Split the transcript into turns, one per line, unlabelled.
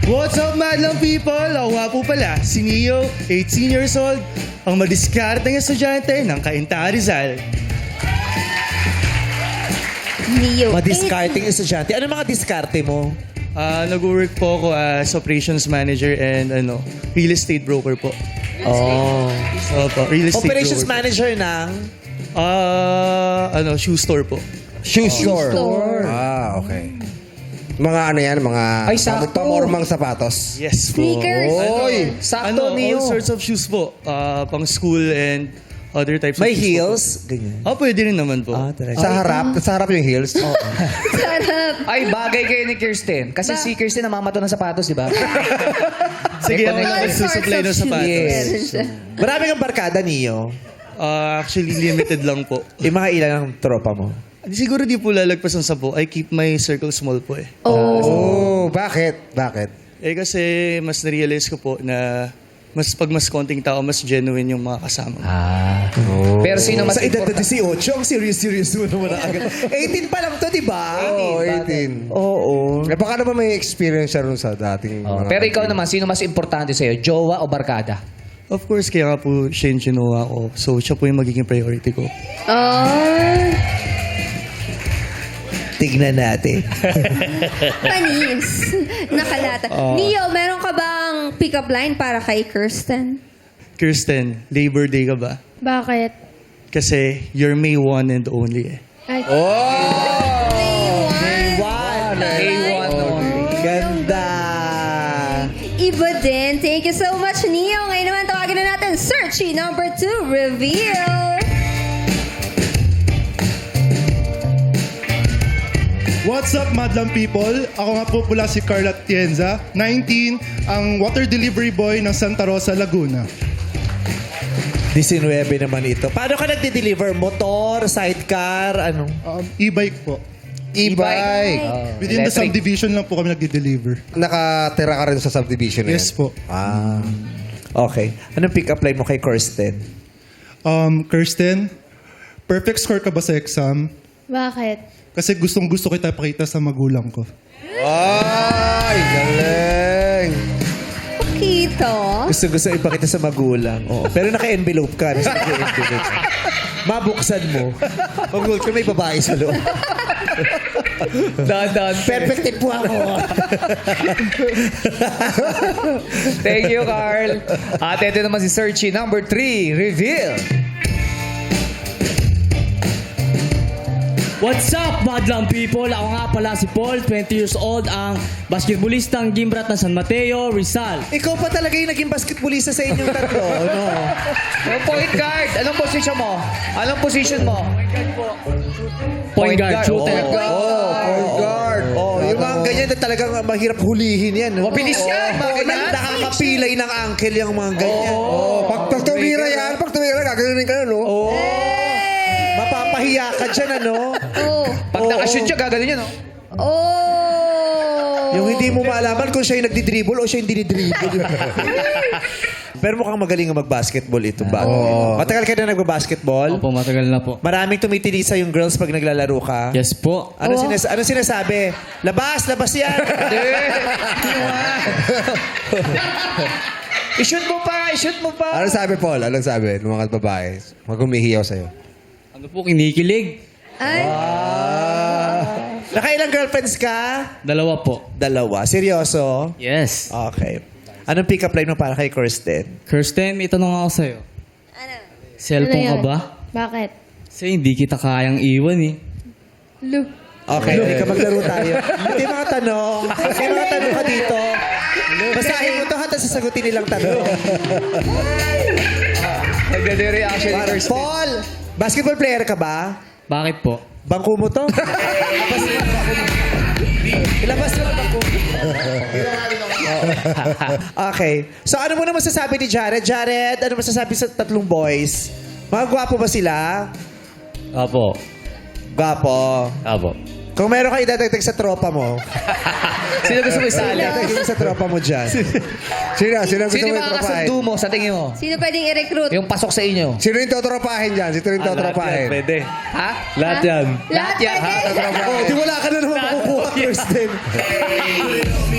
What's up, madlang people? Ako nga po pala, si Neo, 18 years old, ang madiskarteng estudyante ng Cainta Rizal.
Neo.
Madiscarding estudyante. Ano mga diskarte mo?
Nag-work po ako as operations manager and real estate broker po.
Oh.
Opo, real estate
Operations
broker.
manager ng
Shoe store po.
shoe store.
Ah, okay. Mga ano yan, mga
Ay, sakto.
pamormang sapatos.
Yes po.
Sneakers.
Oy!
Sakto, Neo.
All sorts of shoes po. Pang school and other types
May
of shoes
heels? Ganyan.
po. Pwede rin naman po.
Talaga.
Sa harap yung heels.
Sarap.
Ay, bagay kayo ni Kirsten. Kasi si Kirsten namamato ng sapatos, di ba?
Sige, ako
All
na nagsusupply ng
sorts of
sapatos.
shoes. Meron siya.
Marami kang barkada, Neo.
Actually, limited lang po.
Yung mga ilan ang tropa mo?
Siguro di po lalagpas ng 10. I keep my circle small po eh.
Oh, bakit? Bakit?
Kasi mas na-realize ko po na pag mas konting tao, mas genuine yung mga kasama.
Pero sino mas
Sa edad na
important?
18, ang serious mo naman agad. 18 pa lang to, di ba?
Oo, 18.
Oo.
Eh, baka naman may experience siya rin sa dating mga...
Pero ikaw naman, sino mas importante sa'yo? Jowa o barkada?
Of course, kaya nga po siya yung ginawa ko. So, siya po yung magiging priority ko.
Tignan natin.
Panis. Nakalata. Neo, meron ka bang pick-up line para kay Kirsten?
Kirsten, Labor Day ka ba?
Bakit?
Kasi you're May 1 and only eh.
Ay,
One.
A1 only.
Ganda.
iba din. Thank you so much, Neo. Ngayon naman, tawagin na natin Searchy number 2, reveal.
What's up, madlang people? Ako nga po pula si Carla Tienza, 19, ang water delivery boy ng Santa Rosa, Laguna.
19 naman ito. Paano ka nagde-deliver? Motor, sidecar, ano?
E-bike po.
E-bike.
Within the
Electric.
subdivision lang po kami nagde-deliver.
Nakatira ka rin sa subdivision na
Yes
yan?
po.
Ah.
Okay. Anong pick-up line mo kay Kirsten?
Kirsten, perfect score ka ba sa exam?
Bakit?
Kasi gustong-gusto kita pakita sa magulang ko.
Ay, galing!
Pakito.
Gusto ipakita sa magulang. Oo. Pero naka-envelope ka. Naka-envelope. Mabuksan mo. Magulat ka, may babae sa loob.
Dahan-dahan.
Perfect tip po ako.
Thank you, Carl. At ito naman si Searchy number 3, reveal.
What's up, madlang people? Ako nga pala si Paul, 20 years old, ang basketballistang Gimbrat ng San Mateo, Rizal.
Ikaw pa talaga yung naging basketballista sa inyong tatlo, no?
Yung point guard. Anong position mo? Anong position mo?
Point guard, shooter.
Point guard. Oh, yung mga ganyan na talagang mahirap hulihin yan. No?
Mabilis yan, mga ganyan.
Nakakapilay ng uncle yung mga ganyan.
Pag tumira yan, gaganunin ka na, no?
Mapapahiya ka dyan, ano?
Oh.
Pag nakashoot siya, gaganon yun, no?
Oh.
Yung hindi mo maalaman kung siya yung nagdi-dribble o siya yung dinidribble. Pero mukhang magaling ang mag-basketball ito ba? Matagal ka na nagba-basketball?
Opo, matagal na po.
Maraming tumitilisa yung girls pag naglalaro ka?
Yes po.
Ano sinasabi? Labas yan!
I-shoot mo pa, i-shoot mo pa.
Anong sabi, Paul? Anong sabi ng mga babae? Mag-umihiyaw sa'yo.
Ano po, kinikilig?
Ay.
Nakailang girlfriends ka?
2 po.
2. Seryoso?
Yes.
Okay. Anong pick-up line mo para kay Kirsten?
Kirsten, may tanong ako sa'yo.
Ano?
Cellphone
Ano
ka
yun?
ba?
Bakit?
Kasi hindi kita kayang iwan eh.
Lu.
Okay, hindi ka maglaro tayo. Hindi mga tanong. May mga tanong ka dito. Basahin mo to ha, tapos sasagutin nilang tanong.
Nagdade reaction ni Kirsten.
Paul, basketball player ka ba?
Bakit po?
Bangko mo to? Ilabas mo ang bangko mo. Okay. So ano mo na masasabi ni Jared? Jared, ano masasabi sa tatlong boys? Mga gwapo ba sila?
Apo.
Gwapo.
Apo.
Kung meron ka idadagdag sa tropa mo,
Sino gusto mo isali?
idadagdag mo sa tropa mo dyan.
Sino gusto
Sino
mo
yung
itropahin?
makakasundo mo sa tingin mo?
Sino pwedeng i-recruit?
Yung pasok sa inyo.
Sino yung totropahin dyan? Sino yung totropahin?
Pwede.
Ha?
Lahat yan.
Lahat
yan.
pwede.
Oh, di wala ka na naman makukuha, Kirsten.